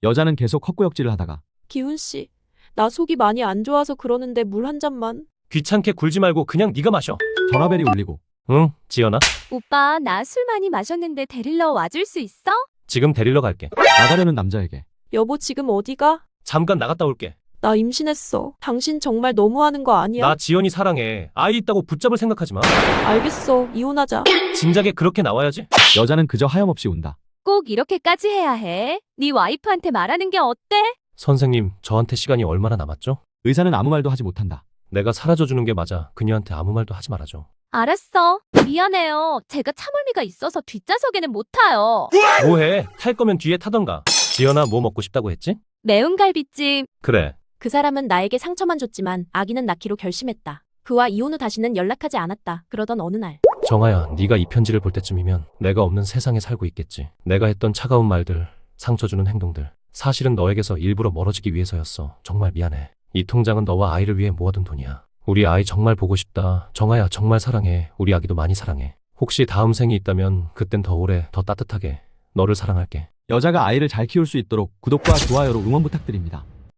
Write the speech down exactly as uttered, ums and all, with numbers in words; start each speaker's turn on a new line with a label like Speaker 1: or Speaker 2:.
Speaker 1: 여자는 계속 헛구역질을 하다가
Speaker 2: 기훈 씨, 나 속이 많이 안 좋아서 그러는데 물 한 잔만.
Speaker 3: 귀찮게 굴지 말고 그냥 네가 마셔.
Speaker 1: 전화벨이 울리고
Speaker 3: 응, 지연아.
Speaker 4: 오빠, 나 술 많이 마셨는데 데리러 와줄 수 있어?
Speaker 3: 지금 데리러 갈게.
Speaker 1: 나가려는 남자에게
Speaker 2: 여보 지금 어디가?
Speaker 3: 잠깐 나갔다 올게.
Speaker 2: 나 임신했어. 당신 정말 너무하는 거 아니야?
Speaker 3: 나 지연이 사랑해. 아이 있다고 붙잡을 생각하지 마.
Speaker 2: 알겠어. 이혼하자.
Speaker 3: 진작에 그렇게 나와야지.
Speaker 1: 여자는 그저 하염없이 운다.
Speaker 4: 꼭 이렇게까지 해야 해? 네 와이프한테 말하는 게 어때?
Speaker 3: 선생님, 저한테 시간이 얼마나 남았죠?
Speaker 1: 의사는 아무 말도 하지 못한다.
Speaker 3: 내가 사라져주는 게 맞아. 그녀한테 아무 말도 하지 말아줘.
Speaker 4: 알았어. 미안해요. 제가 차물미가 있어서 뒷좌석에는 못 타요.
Speaker 3: 뭐해? 탈 거면 뒤에 타던가. 지연아, 뭐 먹고 싶다고 했지?
Speaker 4: 매운 갈비찜.
Speaker 3: 그래.
Speaker 2: 그 사람은 나에게 상처만 줬지만 아기는 낳기로 결심했다. 그와 이혼 후 다시는 연락하지 않았다. 그러던 어느 날
Speaker 3: 정아야, 네가 이 편지를 볼 때쯤이면 내가 없는 세상에 살고 있겠지. 내가 했던 차가운 말들, 상처 주는 행동들, 사실은 너에게서 일부러 멀어지기 위해서였어. 정말 미안해. 이 통장은 너와 아이를 위해 모아둔 돈이야. 우리 아이 정말 보고 싶다. 정아야, 정말 사랑해. 우리 아기도 많이 사랑해. 혹시 다음 생이 있다면 그땐 더 오래, 더 따뜻하게 너를 사랑할게.
Speaker 1: 여자가 아이를 잘 키울 수 있도록 구독과 좋아요로 응원 부탁드립니다.